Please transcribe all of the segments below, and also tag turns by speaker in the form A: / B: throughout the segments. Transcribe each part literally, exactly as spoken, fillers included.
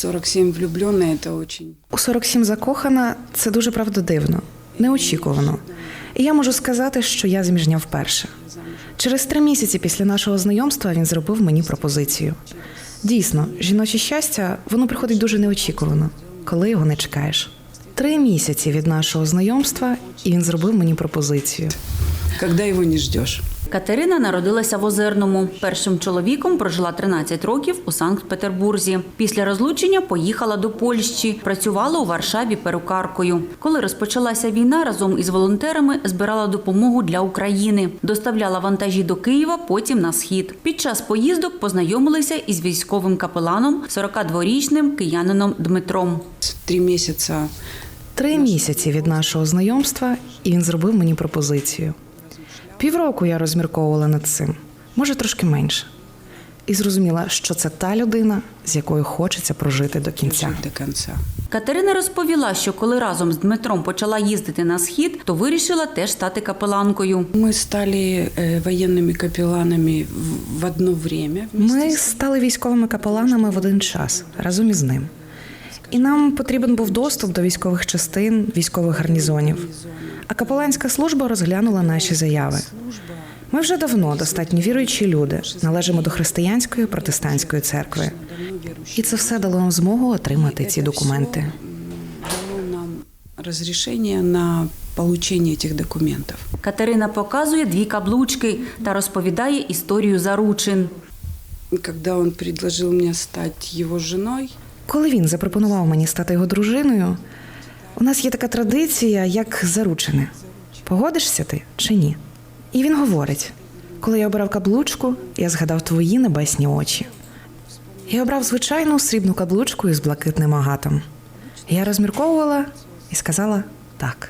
A: сорок сім влюблена – це дуже...
B: У сорок сім закохана – це дуже правдодивно, неочікувано. І я можу сказати, що я заміжня вперше. Через три місяці після нашого знайомства він зробив мені пропозицію. Дійсно, жіноче щастя, воно приходить дуже неочікувано, коли його не чекаєш. Три місяці від нашого знайомства, і він зробив мені пропозицію.
A: Коли його не чекаєш.
C: Катерина народилася в Озерному. Першим чоловіком прожила тринадцять років у Санкт-Петербурзі. Після розлучення поїхала до Польщі. Працювала у Варшаві перукаркою. Коли розпочалася війна, разом із волонтерами збирала допомогу для України. Доставляла вантажі до Києва, потім на Схід. Під час поїздок познайомилися із військовим капеланом, сорокадворічним киянином Дмитром.
A: Три місяці.
B: Три місяці від нашого знайомства, і він зробив мені пропозицію. Півроку я розмірковувала над цим, може трошки менше. І зрозуміла, що це та людина, з якою хочеться прожити до кінця.
A: До кінця.
C: Катерина розповіла, що коли разом з Дмитром почала їздити на Схід, то вирішила теж стати капеланкою.
A: Ми стали воєнними капеланами в одно время.
B: Ми стали військовими капеланами в один час, разом із ним. І нам потрібен був доступ до військових частин, військових гарнізонів. А капеланська служба розглянула наші заяви. Ми вже давно достатньо віруючі люди, належимо до християнської протестантської церкви. І це все дало нам змогу отримати ці документи.
A: Дало нам розрішення на отримання цих документів.
C: Катерина показує дві каблучки та розповідає історію заручин.
A: Коли він пропонував мені стати його жіною,
B: Коли він запропонував мені стати його дружиною, у нас є така традиція, як заручини. Погодишся ти чи ні? І він говорить, коли я обирав каблучку, я згадав твої небесні очі. Я обрав звичайну срібну каблучку із блакитним агатом. Я розмірковувала і сказала «так».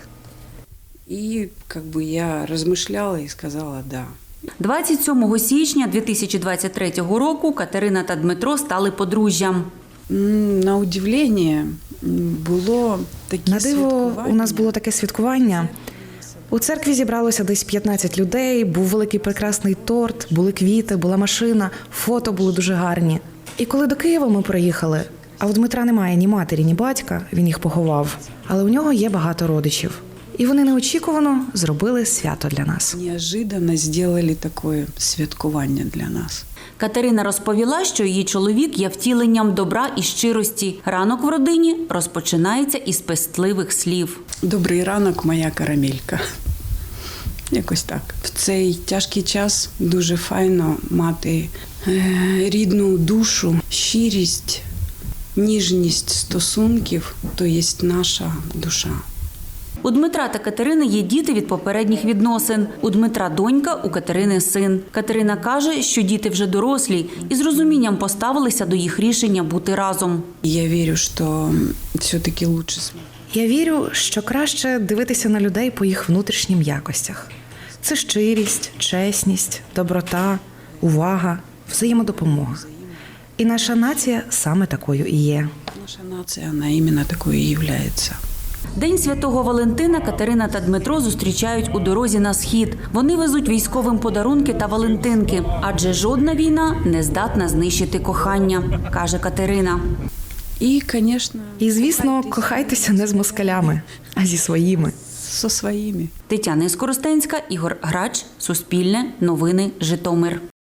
A: І якби, я розмишляла і сказала «да».
C: двадцять сьомого січня дві тисячі двадцять третього року Катерина та Дмитро стали подружжям.
A: На удивлення було таке
B: На диво,
A: святкування.
B: у нас було таке святкування. У церкві зібралося десь п'ятнадцять людей, був великий прекрасний торт, були квіти, була машина, фото були дуже гарні. І коли до Києва ми приїхали, а у Дмитра немає ні матері, ні батька, він їх поховав, але у нього є багато родичів. І вони неочікувано зробили свято для нас.
A: Неожиданно зробили таке святкування для нас.
C: Катерина розповіла, що її чоловік є втіленням добра і щирості. Ранок в родині розпочинається із пестливих слів.
A: Добрий ранок, моя карамелька. Якось так. В цей тяжкий час дуже файно мати рідну душу, щирість, ніжність стосунків, то є наша душа.
C: У Дмитра та Катерини є діти від попередніх відносин. У Дмитра донька, у Катерини син. Катерина каже, що діти вже дорослі і з розумінням поставилися до їх рішення бути разом.
A: Я вірю, що все-таки краще.
B: Я вірю, що краще дивитися на людей по їх внутрішнім якостях. Це щирість, чесність, доброта, увага, взаємодопомога. І наша нація саме такою і є.
A: Наша нація, вона іменно такою і є.
C: День Святого Валентина Катерина та Дмитро зустрічають у дорозі на Схід. Вони везуть військовим подарунки та валентинки, адже жодна війна не здатна знищити кохання, каже Катерина.
A: І, звісно,
B: І, звісно, кохайтеся не з москалями, а зі своїми.
A: зі своїми.
C: Тетяна Скоростенська, Ігор Грач, Суспільне, Новини, Житомир.